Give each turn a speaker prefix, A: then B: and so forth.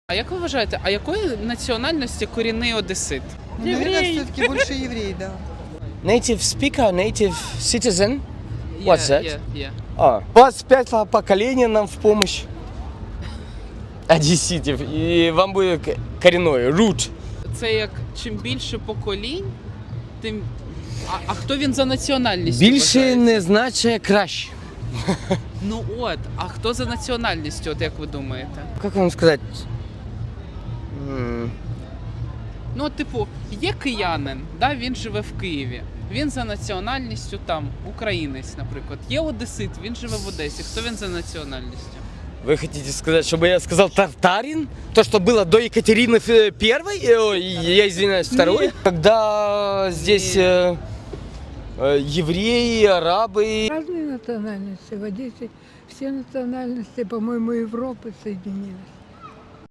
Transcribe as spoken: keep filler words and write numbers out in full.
A: А як ви вважаєте, а якої національності корінний одесит?
B: Ну, наверное, все-таки больше еврей, да.
C: Native speaker, native citizen. What's that?
A: Yeah, yeah.
C: А, двадцать пять поколений нам в помощь. Одесситов. И вам будет к- коренной, root.
A: Це як чим більше поколінь, тим. А, а хто він за національністю?
C: Більше
A: вважається?
C: не значить краще.
A: Ну от, а хто за національністю, от як ви думаєте?
C: Как вам сказать? М,
A: Ну, от, типу, є киянин, да, він живе в Києві. Він за національністю там, українець, наприклад. Є одесит, він живе в Одесі. Хто він за національністю?
C: Вы хотите сказать, чтобы я сказал татарин? То, что было до Екатерины Ф- Первой? Э, ой, я извиняюсь, второй? Когда здесь э, э, евреи, арабы.
D: Разные национальности. В Одессе все национальности, по-моему, Европы соединились.